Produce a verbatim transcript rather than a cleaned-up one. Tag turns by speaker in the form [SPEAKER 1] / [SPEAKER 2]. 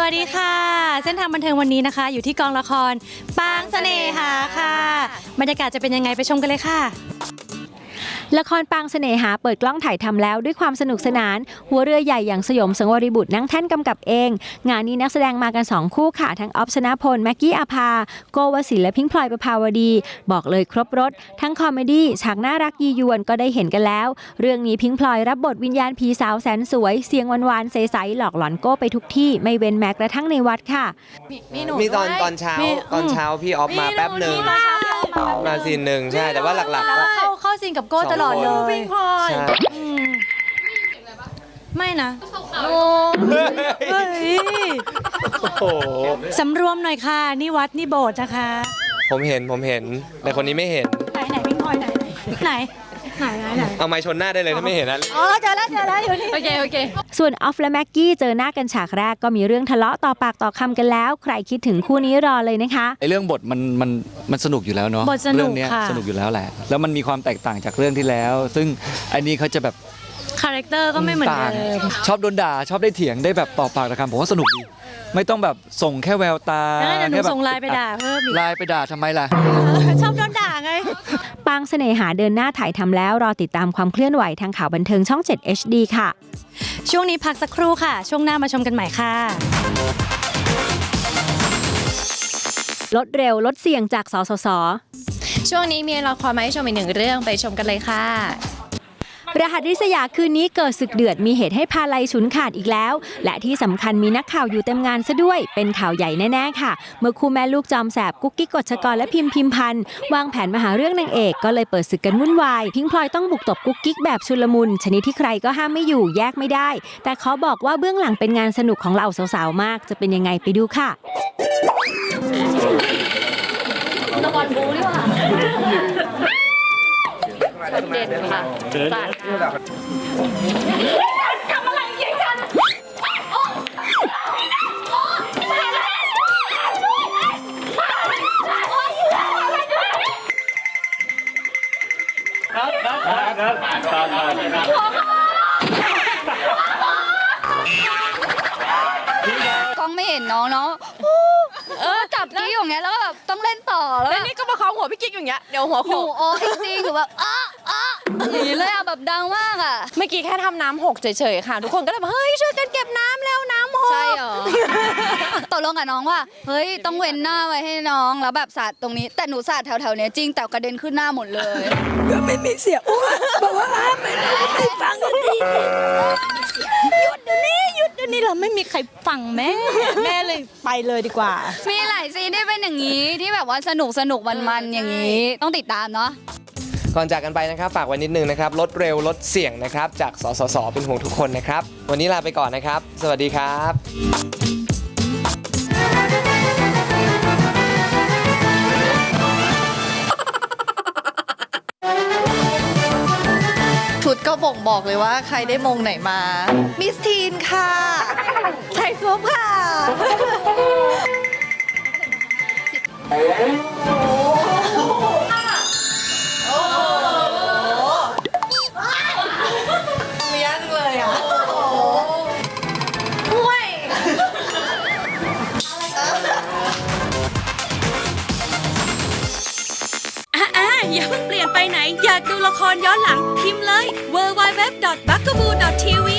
[SPEAKER 1] วัสดีค่ะเส้นทางบันเทิงวันนี้นะคะอยู่ที่กองละครปางเสน่หาค่ะบรรยากาศจะเป็นยังไงไปชมกันเลยค่ะ
[SPEAKER 2] ละครปางเสน่หาเปิดกล้องถ่ายทำแล้วด้วยความสนุกสนานหัวเรือใหญ่อย่างสยมสังวริบุตรนั่งแท่นกำกับเองงานนี้นักแสดงมากันสองคู่ค่ะทั้งออฟชนะพลแม็กกี้อาภาโกวสิลและพิงค์พลอยประภาวดีบอกเลยครบรถทั้งคอมเมดี้ฉากน่ารักยียวนก็ได้เห็นกันแล้วเรื่องนี้พิงค์พลอยรับบทวิญญาณผีสาวแสนสวยเสียงหวานๆใสๆหลอกหลอนโก้ไปทุกที่ไม่เว้นแม้กระทั่งในวัดค่ะ
[SPEAKER 3] มีตอนตอนเช้าตอนเช้าพี่ออฟมาแป๊บหนึ่งมาซีนหนึ่งใช่แต่ว่าหลักๆก็
[SPEAKER 1] เข้าเข้าซีนกับโก้ตลอดเลยพิงพลอยไม่นะโอ้ยสำรวมหน่อยค่ะนี่วัดนี่โบสถ์นะคะ
[SPEAKER 3] ผมเห็นผมเห็นแต่คนนี้ไม่เห็น
[SPEAKER 1] ไหนไหนพิงพลอยไหนไหนไหนไหนไหน
[SPEAKER 3] เอาไม้ชนหน้าได้เลยถ้าไม่เห็นนะ
[SPEAKER 1] อ๋อเจอแล้วเจอแล้วอยู่นี่โอเคโอเค
[SPEAKER 2] ส่วนออฟและแม็กกี้เจอหน้ากันฉากแรกก็มีเรื่องทะเลาะต่อปากต่อคำกันแล้วใครคิดถึงคู่นี้รอเลยนะคะ
[SPEAKER 4] ไอเรื่องบทมันมันมันสนุกอยู่แล้วเนาะเรื่องนี้สนุกอยู่แล้วแหละแล้วมันมีความแตกต่างจากเรื่องที่แล้วซึ่งอันนี้เขาจะแบบ
[SPEAKER 1] คาแรคเตอร์ก็ไม่เหมือนเดิม
[SPEAKER 4] ชอบโดนด่าชอบได้เถียงได้แบบต่อปากต่อคำผมว่าสนุกดีไม่ต้องแบบส่งแค่แววตา
[SPEAKER 1] แล้วหนูส่งไลน์ไปด่าเพิ่มอีก
[SPEAKER 4] ไลน์ไปด่าทำไมล่ะ
[SPEAKER 1] ชอบโดนด่าไง
[SPEAKER 2] ปางเสน่หาเดินหน้าถ่ายทำแล้วรอติดตามความเคลื่อนไหวทางข่าวบันเทิงช่องเจ็ด เอช ดี ค่ะ
[SPEAKER 1] ช่วงนี้พักสักครู่ค่ะช่วงหน้ามาชมกันใหม่ค่ะ
[SPEAKER 2] ลดเร็วลดเสี่ยงจากสสส.
[SPEAKER 5] ช่วงนี้มีละครมาให้ชมอีกหนึ่งเรื่องไปชมกันเลยค่ะ
[SPEAKER 2] รหัสริษยาคืนนี้เกิดศึกเดือดมีเหตุให้พาลัยฉุนขาดอีกแล้วและที่สำคัญมีนักข่าวอยู่เต็มงานซะด้วยเป็นข่าวใหญ่แน่ๆค่ะเมื่อคู่แม่ลูกจอมแสบกุ๊กกิ๊กกฎชกรและพิมพ์พิมพันธ์วางแผนมาหาเรื่องนางเอกก็เลยเปิดศึกกันวุ่นวายพิงพลอยต้องบุกตบกุ๊กกิ๊กแบบชุลมุนชนิดที่ใครก็ห้ามไม่อยู่แยกไม่ได้แต่เขาบอกว่าเบื้องหลังเป็นงานสนุกของเหล่าสาวๆมากจะเป็นยังไงไปดูค่ะ
[SPEAKER 5] ละครบู๊ดีกว่าเด่นค่ะจัดทำอะไรยิงฉัน
[SPEAKER 6] กล้องไม่เห็นน้องเนาะเออจับกี้อย่างเงี้ยแล้วแบบต้องเล่นต่อแล้ว
[SPEAKER 5] นี่ก็มาคล้องหัวพี่กิ๊กอย่างเงี้ยเดี๋ยวหัวโขก
[SPEAKER 6] โอ้จริงๆหนูแบบอ้าอ้าอย่างนี้เลยอ่ะแบบดังมากอ่ะ
[SPEAKER 5] เมื่อกี้แค่ทำน้ำหกเฉยๆค่ะทุกคนก็เลยแบบเฮ้ยช่วยกันเก็บน้ำแล้วน้ำหก
[SPEAKER 6] ใช่หรอตกลงกับน้องว่าเฮ้ยต้องเว้นหน้าไว้ให้น้องแล้วแบบสาดตรงนี้แต่หนูสาดแถวๆเนี้ยจริงแต่กระเด็นขึ้นหน้าหมดเลย
[SPEAKER 1] ก็ไม่มีเสียงบอกว่าไม่ไม่ฟังกันดีหยุดเดี๋ยวนี้หยุดเดี๋ยวนี้เราไม่มีใครฟังแม่แม่เลยไปเลยดีกว่า
[SPEAKER 6] มีหลายซีนที่เป็นอย่างนี้ที่แบบว่าสนุกสนุกมันๆอย่างนี้ต้องติดตามเนาะ
[SPEAKER 3] ก่อนจากกันไปนะครับฝากไว้นิดนึงนะครับลดเร็วลดเสี่ยงนะครับจากสสสเป็นห่วงทุกคนนะครับวันนี้ลาไปก่อนนะครับสวัสดีครับ
[SPEAKER 7] ชุดก็บ่งบอกเลยว่าใครได้มงไหนมามิสทีนค่ะไข่ซุปค่ะมียากจังเลยอ่ะห่วย
[SPEAKER 8] อ่าอย่าเพิ่งเปลี่ยนไปไหนอยากดูละครย้อนหลังพิมพ์เลย ดับเบิลยู ดับเบิลยู ดับเบิลยู ดอท บักกะบู ดอท ที วี